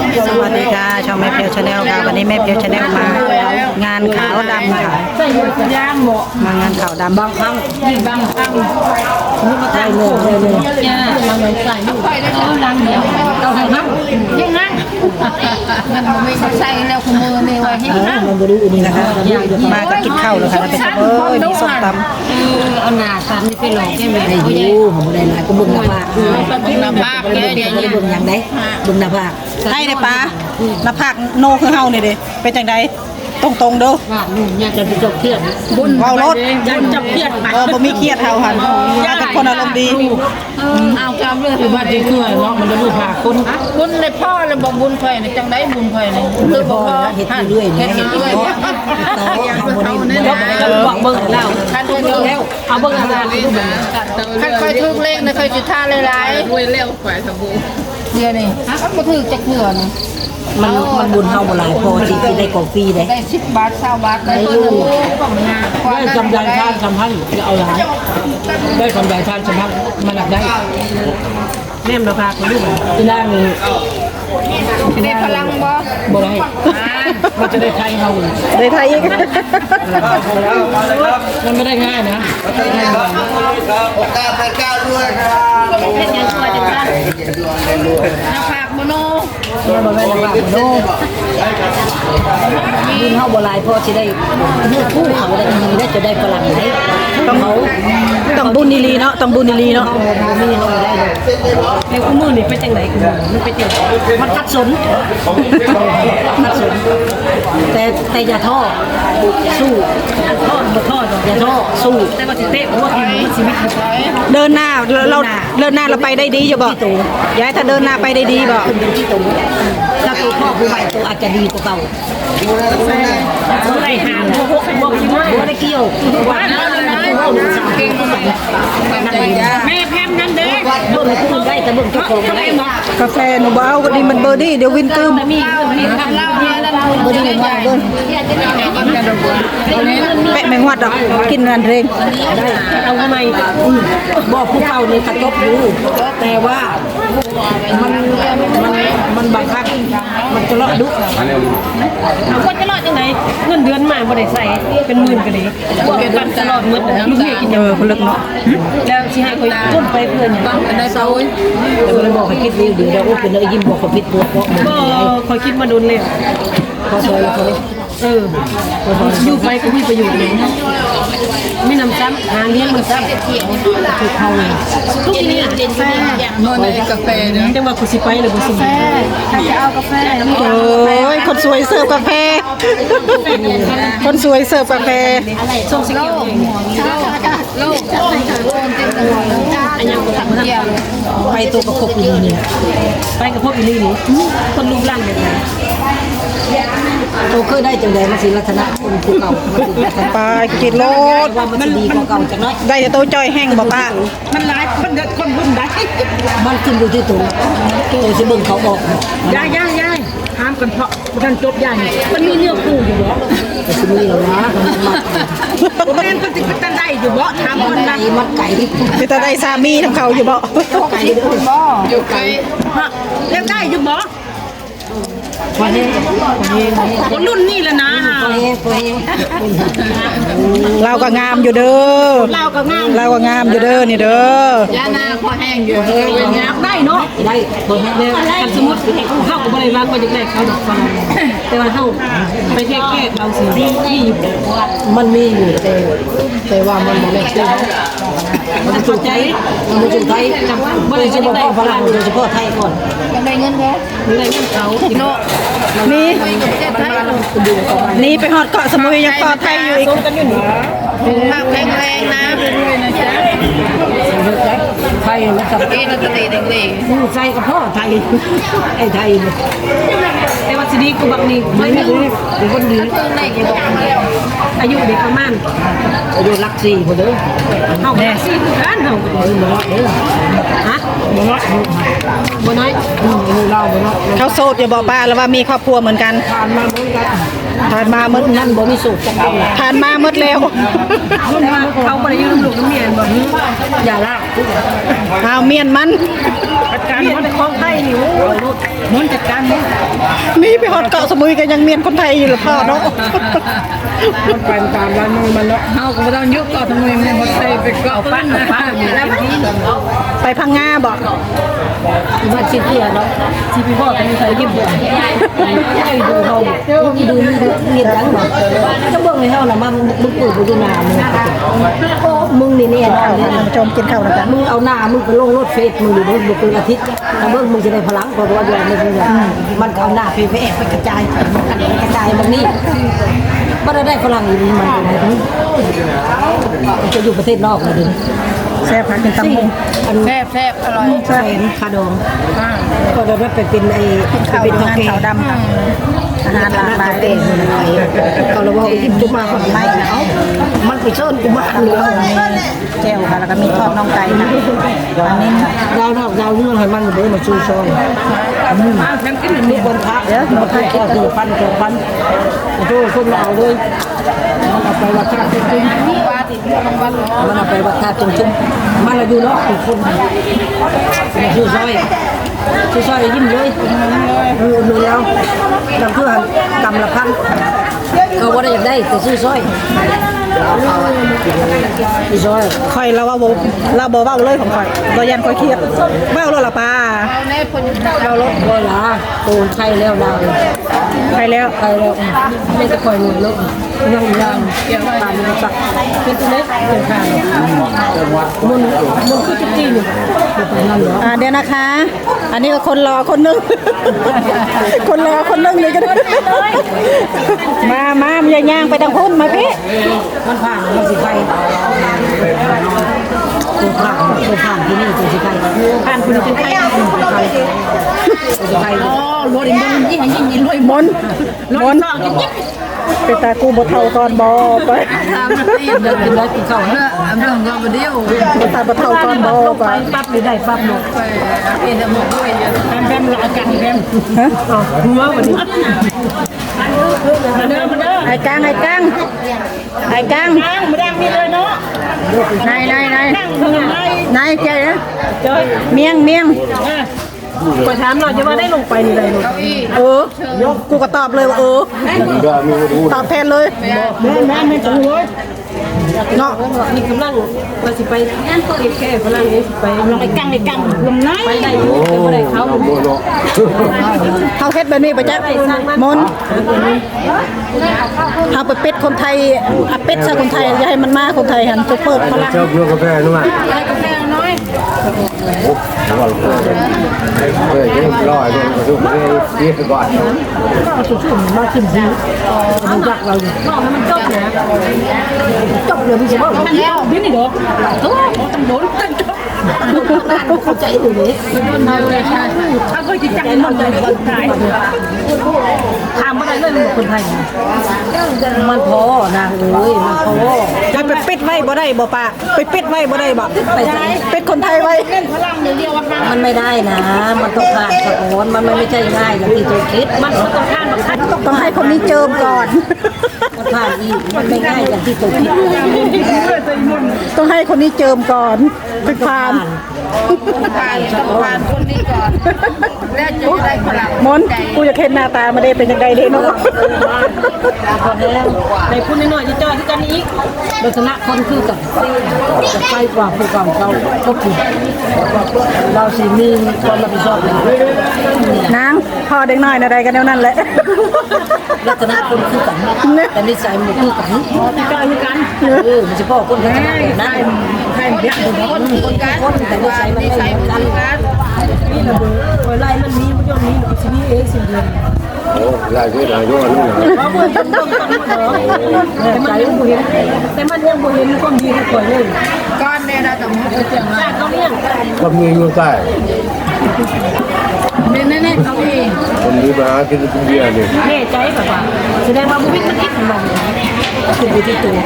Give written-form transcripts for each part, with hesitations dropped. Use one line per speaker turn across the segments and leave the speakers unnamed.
สวัสดีค่ะช่องแม่เพียวชาแนลค่ะวันนี้แม่เพียวชาแนลมางานขาวดำค่ะมางานขาวดำบางครั้งบางครั้งนี่มาถ่ายเลยมาเงินใส่ลูกดังเดียวเราทำนั่งยังนั่งมันไม่ใส่แล้วคุณมือในวันให้นั่งมันบริสุทธิ์นี่นะคะมาก็กินข้าวเลยค่ะเป็นเอ้ยมีส้มตำ
เอาหน้าตามนี่ไปหลอกแค่ไหน
ได้อยู่ผมได้หลายก็บุญหน้าผาก
บุญหน้าผากเนี่ยเดี๋ยวนี้
บุญอย่างใดบุญหน้าผากให้เลยป้าหน้าผากโนคือเฮานี่เด้เป็นจังใดตรงๆเด้อ
ว่าหนุ่มอยากจะจบเครียด
บุญเว้ารถ
อยากจบเครียด
บ่มีเครียดเฮาหั่นเป็นคนอารมณ์ดี
เอากำเลยว่าจะช่วยเนาะมันจะรู้ผากคุณในพ่อเลยบอกบุญไฟในจังไดบุญไฟใน
คือบ่เฮ็ดเรื่อยๆเฮ็ดเรื่อยๆต่อเฮาบ่ได้
บอกเบิ่งแล้วท่านเบิ่งแล้วเอาเบิ่งอาจารย์ท่านเคยทุกเลขนะเคยจุดท่าหลายๆรวยแล้วฝ่ายสมบูรณ์เดี๋ยวนี้มันบ่ถือจักเถื่อนี่
มันบุญเฮาบ่หลายพอสิได้กาแฟได้
10 บาท20 บาทได้ตัวนึงได้กำไรท่านสำคัญจะเอาหลายได้กำไรท่านสำคัญมันหลักได้แม่มาพาคนลูกที่ล่างนี่ได้พลังบ่ได้มันจะได้ไทยเฮา
ได้ไทยอีก
มันไม่ได้ง่ายนะ
โอกาสไปก้าวด้วยครับ
เป็นยังไงจังซั่นน้ำผักโมโน
บ่แม่นว่าโนบุญเฮาบ่หลายพอสิได้เนื้อคู่เขาได้มีได้จะได้ฝรั่งไหนต้องบุญอีหลีเนาะต้องบุญอีหลีเนาะบ่มีเฮาได้เลย
ในคู่มือนี่เป็นจังได๋คือมันเป็นจัง
มันขัดสนขัดสนแต่อย่าท้อสู้
ทอดบ่ทอด
อย่าท้อสู้
แต่ว่าสิเตะบ่ว่ามันชีวิต
เดินหน้าเราไปได้ดีอยู่บ่ยายถ้าเดินหน้าไปได้ดีบ่ขึ้นเป็นที่ตรงถ้าตัวพ่อผู้ใหม่ตัวอาจจะดีกว่าเก่า
บ่ได้หามบ่
บ่ได้เกี่ยวว่า
แม่แพมนั่นเด้
เบิ่งคุณได้แต่เบิ่งเจ้าของได้กาแฟหนูบ่เอาก็ดีมันเบอร์ดี้เดี๋ยววินกึม
มีทำเหล้าเนี่ยแล้ว
เบอร์ดี้แมงวัดเบิ่งแปะแมงวัดดอกกินงานเพลง
ได้เอาทำไม
บอกผู้เก่านี่กระทบอยู่แต่ว่ามันบางครั้งมันจะเลาะดุ
เอาคนจะรอดจังไดเงินเดือนมาบ่ได้ใส่เป็นหมื่นก็ดีบ่เป็นปันตลอดหมดลูกเมียกิน
คนลึกเนาะ
แล้วสิให้ค่อยต้นไปเพื่อนได้เซา
แต่บ่ได้บอกให้คิดดีเดี๋ยวโอ้เป็นเลยยิ้มบอกเขาผิดตัวเพราะ
บ่ค่อยคิดมาโดนแล้ว
พอซอยแล้วเขา
อยู่ไปก็มีประโยชน์เลยไม่นำซ้ำหาเลี้ยงมันซ้ำ
คือเขาเลย
ทุกทีนี้เด่นแฟนอนในกาแฟเนี่ยจังว่ากูสิไปหรือกูสิถ้าจะเอากาแฟ
โอ้ยคนสวยเสิร์ฟกาแฟคนสวยเสิร์ฟกาแฟ
ส่งสิเกี่ยวโลกอันยังกูทำเกี่ยว
ไปตัวกับพวกอีนี่
ไปกับพวกอีนี่คนรูปร่างแบบไหน
โตเคยได้จังใดมาสิลักษณะคนผู้เก่ามาสิลักษณะปลากินโลดว่ามันดีกว่าเก่าจังน้อยได้แต่โตจ้อยแห้งบ่ป้า
มันหลายมันเด็ดคนรุ่นได้
มันขึ้นอยู่ที่ตัวสิเบิ่งเขาบอก
ย่าห้ามกันเพราะกันจบย่ามันมีเนื้อคู่อยู่บ่
ก็สิมีแล้วนะ
แม่นก็สิเป็นได้อยู่บ่ถามคนนั้น
มัดไก่คือตาได้สามีทำเขาอยู่บ่
ไก่บ่อยู่ไก่เลี้ยงได้อยู่บ่คนรุ่นนี่แหละนะ
เราก็งามอยู่เด้อ
เราก็ง
ามอยู่เด้อนี่เด้
อยานาพอแห้งอยู่อยากได้เนาะ
ได้พอแห้ง
กันสมมติเข้ากับบริวารก็จะได้เขาดอกฟังแต่ว่าเข้าไปแค่เราสิ
มันมีอยู่แต่ว่ามันบ่แม่นคือ
มันเข้าใจ
มันจะไทยโดยเฉพาะฝรั่งโดยเฉพาะไทยก่อน
ได้เงินแค่ได้เงินเขาเนาะ
นี่ไปฮอดเกาะสมุยยังเกาะไทยอยู่อีก
ภาพแรงๆนะด้วยนะจ๊ะ
ไทยมันกับ
เอ็นตะเตะเด็ก
ๆไทยกับพ่อไทยไอ้ไทย
แต่ว่าสิดีกูบักนี่
ไม่ดีเป็นคนดี
อายุเด็กประมาณ
อายุรัก4คนเด้อ
เฮา4คือกันเฮา
บ่น้อยเด้อ
ฮะบ่น้อย
เราบ่น้อยเขาโสดอย่าบอกป้าแล้วว่ามีครอบครัวเหมือนกันผ่านมาเหมือนกันนั่นบ่มีสูตรจังผ่านมาหมดแล้ว
เขาบ่ได้อยู่ลูกน้ำเมียนบ่
อย่าลากเอาเมียนมัน
จัดการมันของไทยนี่โอ้ยมันจัดการมัน
นี่ไปฮอดเกาะสมุยกันยังเมียนคนไทยอยู่หรือเปล่าเนาะ
มันไปตามร้านมันเนาะ
เฮาก็บ่ต้องยุกเกาะทำไมมันบ่ไปเกาะปั้นแล้ว
ไปพังงาบ่
มาชิดเดียเนาะที่พี่พ่อเป็นใครยิ้มด้วยให้ดูเขาดูเงียบดังบ่จะเบิ่งให้เฮาน่ะมามึงปลูกดูหน้ามึงนี่แน่นอน
ท่านผู้ชมกินข้าวแล้วกัน
มึงเอาหน้ามึงไปลงรถเฟซมึงอยู่เบิ่งเป็นอาทิตย์ถ้าเบิ่งมึงจะได้พลังเพราะว่าอยู่ในมึงมันเอาหน้าไปแอบไปกระจายกระจายบางนี่บ่ได้พลังอีนี่มันจะอยู่ประเทศนอกเลยดิ
แซ่บพักกินตำมุง
แซ่บอร่อย
แสนคาดองก็ได้ไปเป็นไอ้
ข้าว
เป็น
งานขาวดำค่ะอาหารหลากหลาย
เต้เขาเราบอกอิ่มจุมาคนไม่เอามันไปเชิญกูมาเหลือ
แจ่วค่ะแล้วก็มีทอดน่องไก่ค่ะอันนี้
ดาวเรื่องให้มันเด้มาชูซอยมีคนทักเดี๋ยวมาทักก็คือพันโทษคนเราเลยมันเอาไปวัดท่าจริงมันเอาไปวัดท่าจริงมันเราอยู่เนาะทุกคนชูซอยยิ้มเลยดูแล้วเราเพื่อนกำละพันเขาว่าได้อยากได้แต่ซื้อซอย
ข่อยเราว่าบ่เราบ่เว้าเลยของข่อยบ่ยันข่อยเครียดเว้าแล้วล่ะป้า
เอาแน่คน
เราลดบ่ล่ะโตนไข่แล้วดาว
ไปแล้ว
ไข่แล้วไม่จะคอยหนุนลูกยังเกี่ยวตามมันสักเป็นตัวเล็กเป็นข้างมันคือจี้อยู่เป็นนั่นเหรอ
เดี๋ยวนะคะ อันนี้ก็คนรอคนนึง คนรอคนนึงเลยกันมาอย่าย่างไปทางพุ่นมาพี่
มันผ่านมันสิไข่ตัวผ่านที่นี่ตัวสิไข่ผ่านคุณเป็นไข่ตัวไข่
อ๋อรถมันยิ่งรวย
มนเป็นตากูบ่เท่าตอนบ่ไป
ตามตี
เดินกินได้กินข้าว
เรื่องก็บ่เดียว
บ่ตาบ่เท่าตอนบ่ไป
ปั๊บหรือได้ปั๊บหมด
ไปเป็นหมดด้วยเยอะ
แบมรอกันแบม
ฮะ
หัววันนี้
ไอ้กังมาดังมีเลยเนาะนายเจ๊นะเมียง
ไปถามหน่อยจะว่าได้ลงไปนี่เลย
กูก็ตอบเลยว่าตอบแทนเลยแม่จังเลยเนาะ
นี่กำลังว่าสิไปแค่กำลังนี้ไปลงไปกังลงไหนไปได้อยู่ไปได้เขา
เขาเฮ็ดแบบนี้ไปจ้ะมนเขาไปเป็ดคนไทยเป็ดซะคนไทยอย่าให้มันมาคนไทยหันเปิดพลัง
ชอบกินกาแฟนู่นอ่ะ
กาแฟน้อย
เฮ้ยยังรออยู่ดูไปเรียกก่อน
ชุ่มมาขึ้นซีมันรักเราอยู่มันจบนะจบเลยพี่เจ้ามันแล้วพี่นี่เด้อตัวต้องโดนเข้าใจอยู่เลย
น้อยเลยใช่
ถ้าก็จะจังมันใจคนไทยทำอะไรเลยคนไทยมันพอนางเอ้ยมันพอ
ไปปิดไว้บ่ได้บ่ป้าไปปิดไว้บ่ได้บ่ปิดคนไทยไว้
มันไม่ได้นะ มันต้องผ่านสะโอนมันไม่ใช่ง่ายอย่างที่ตัวคิดมันต้องผ่าน
ต้องให้คนนี้เจิมก่อน
มันผ่านอีกมันไม่ง่ายอย่างที่ตัวคิด
ต้องให้คนนี้เจิมก่อนไปผ่าน
ผ่านคนนี้ก่อนแล้วจะได้พลัง
มนกูอยากเห็นหน้าตามาได้เป็นยังไงเด้เนาะ
ในพูดน้อยๆจะจอที่กันอีกลักษณะคนคือกับจะไปกว่าผู้เก่าเขาก็คือเราสิมีความรับผิดชอบ
นางพ่อเด็กน้อยอะไรกันแนวนั้นแหละ
ลักษณะคนคือกันแต่นิสัยมันคือกันที่กายคือกันมันจะพ่อคนกันนะใครเด็กคนกันแต่นิสัยมันไม่เหมือนกันนี่ระเบิดไล่มันมีมันย่อมมีมันสิ่งนี้เองสิ่งเดียว
โอ้ยายช่วยหน่อยด้วยนู่นนะ
แต่มันยังบ่เห็นความดีของคนเลย
ก้อนเนี่ยนะแต่มันจะเจ๋งมาก
เขาเลี้ยง
ก็มีอยู่ใต้
เน่ๆเขาเอง
คนนี้มากินเบียร์นี่
แน่ใจแบบว่าแสดงว่าบุวิทมันเอ็กซ์มันคือบุที่ตัว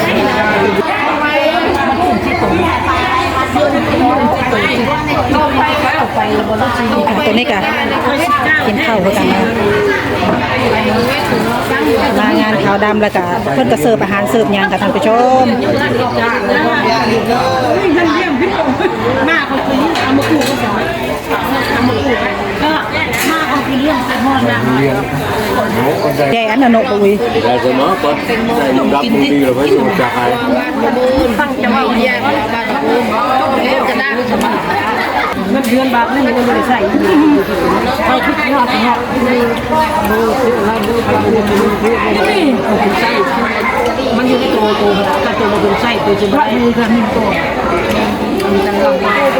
ตัวนี้กะกินข้าวกันมางานขาวดำแล้วก็เพิ่นก็เสิร์ฟอาหารเสิร์ฟหยังค่ะท่านผู้ชม
มาเขาคือเอามาคู่ก็สอนเอามาคู่ก็มาเขาคือเรื่องแต่หอ
เรียนโน้ก็ได้
แกอันนั้นโนปุย
ได้ก็เนาะก็ได้รับมือดีเราไม่ต้องจ่าย
ตั้งจะว่าแยกบ้านกูจะได้สบาย
เงินเดือนบาทนึงมันไม่ได้ใส่เขาคิดยอดยอดดูอะไรดูไปดูใส่มันอยู่ในตัวถ้าตัวมันเป็นไส้ตัวจะได้มีกันหนึ่งตัวมีกันลอง